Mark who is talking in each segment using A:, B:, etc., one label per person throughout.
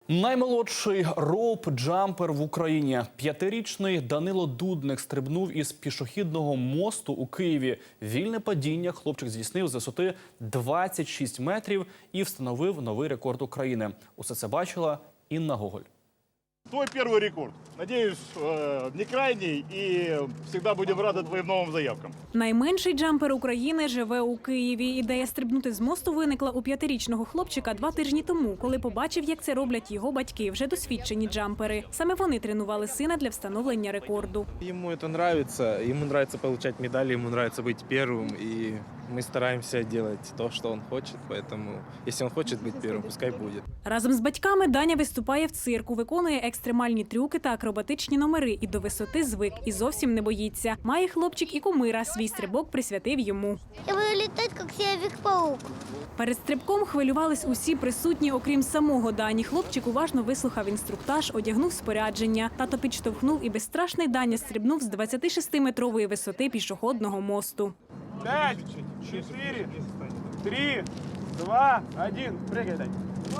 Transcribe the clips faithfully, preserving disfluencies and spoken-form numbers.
A: Наймолодший роуп-джампер в Україні. П'ятирічний Данило Дудник стрибнув із пішохідного мосту у Києві. Вільне падіння хлопчик здійснив з висоти двадцять шість метрів і встановив новий рекорд України. Усе це бачила Інна Гоголь.
B: Твой первый рекорд. Надеюсь, не крайний, и всегда будем рады твоим новым заявкам.
C: Найменший джампер України живе у Києві. Ідея стрибнути з мосту виникла у п'ятирічного хлопчика два тижні тому, коли побачив, як це роблять його батьки, вже досвідчені джампери. Саме вони тренували сина для встановлення рекорду.
D: Ему это нравится, ему нравится получать медали, ему нравится быть первым, и мы стараемся делать то, что он хочет, поэтому если он хочет быть первым, пускай будет.
C: Разом з батьками Даня виступає в цирку, виконує екстремальні трюки та акробатичні номери і до висоти звик, і зовсім не боїться. Має хлопчик і кумира, свій стрибок присвятив йому.
E: Я буду літати, як Человек-паук.
C: Перед стрибком хвилювались усі присутні, окрім самого Дані. Хлопчик уважно вислухав інструктаж, одягнув спорядження. Тато підштовхнув і безстрашний Даня стрибнув з двадцятишестиметрової висоти пішохідного мосту.
F: Пять, четыре, три, два, один. Прыгай.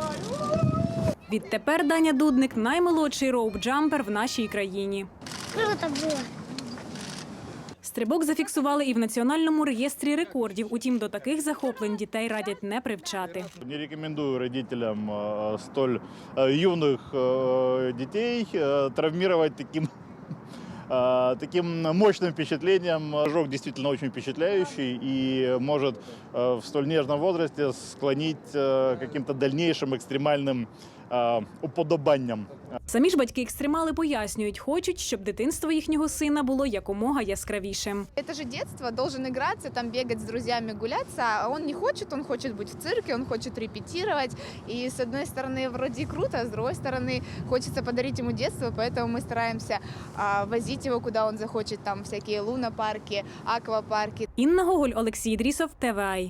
C: Відтепер Даня Дудник – наймолодший роуп-джампер в нашій країні.
E: Круто було.
C: Стрибок зафіксували і в Національному реєстрі рекордів. Утім, до таких захоплень дітей радять не привчати.
B: Не рекомендую родителям э, столь э, юных э, детей э, травмировать таким, э, таким мощным впечатлением. Ожог действительно очень впечатляющий и может э, в столь нежном возрасте склонить э, к каким-то дальнейшим экстремальным э, уподобанням.
C: Самі ж батьки-екстремали пояснюють, хочуть, щоб дитинство їхнього сина було якомога яскравішим.
G: Это же детство, должен играться, там бегать с друзьями, гуляться, а он не хочет, он хочет быть в цирке, он хочет репетировать. И с одной стороны вроде круто, а с другой стороны хочется подарить ему детство, поэтому мы стараемся а, возить его куда он захочет, там всякие лунопарки, аквапарки.
C: Інна Гоголь, Олексій Ідрісов, ТВАЙ.